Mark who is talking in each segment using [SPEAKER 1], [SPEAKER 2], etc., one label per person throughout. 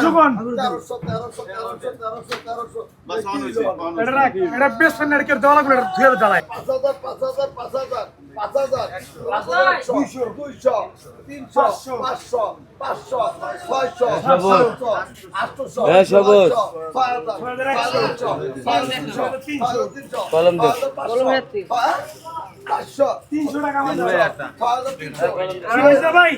[SPEAKER 1] 1300 কোন
[SPEAKER 2] 1300
[SPEAKER 1] এটা বেশ ফেনার কে দেওয়া লাগবে এটা ধুয়ে জ্বালায় 300 টাকা আমার ভাই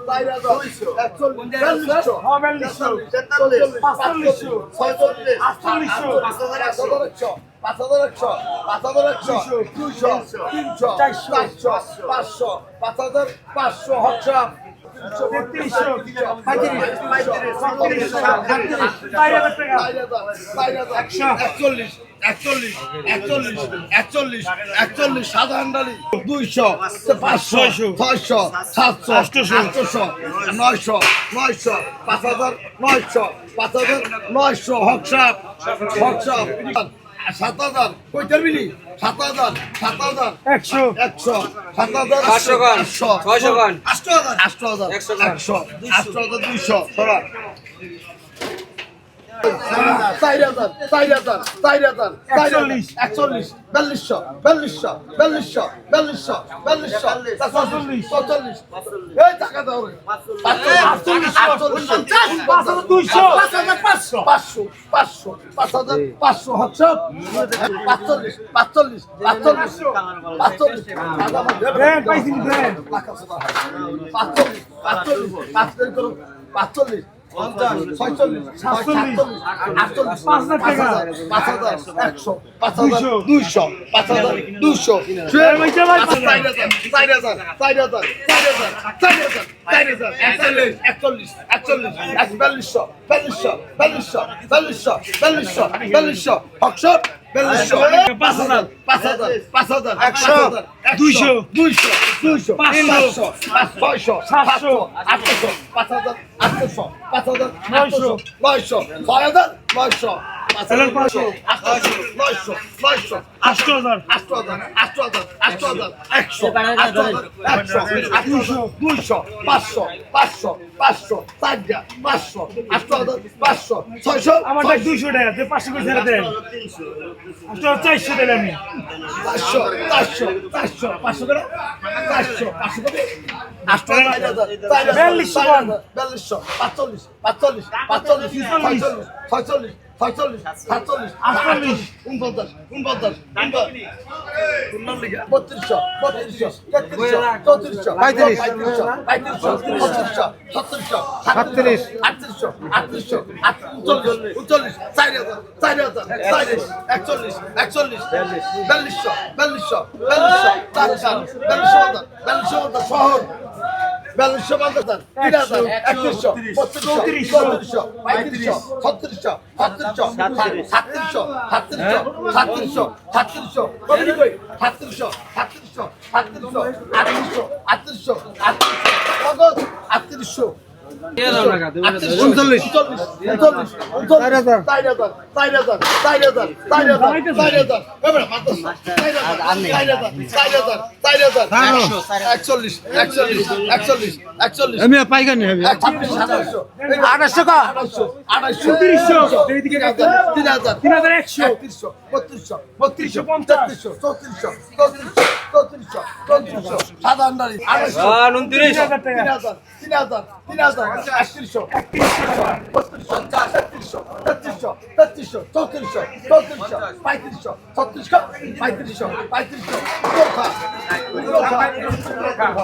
[SPEAKER 2] সাধারণ ডালি 200 500 600 700 800 900 5000 900 হকসাপ 7000 কইতার বিলি 7000 100 7000
[SPEAKER 3] 500 গান 600 গান
[SPEAKER 2] 8000 200 সরা 4000 41 এই টাকা দাও রে 500 হকসাপ 45
[SPEAKER 1] আমার 200 টাকা 500 করে ছেড়ে দেন 400 দিলাম আমি
[SPEAKER 2] 500 করে শহর 41
[SPEAKER 1] আমি পাইগানি হবে
[SPEAKER 2] 800 টাকা 800
[SPEAKER 1] 300 এইদিকে
[SPEAKER 2] 3100 সাধারণ ডালি
[SPEAKER 3] 29
[SPEAKER 2] 3500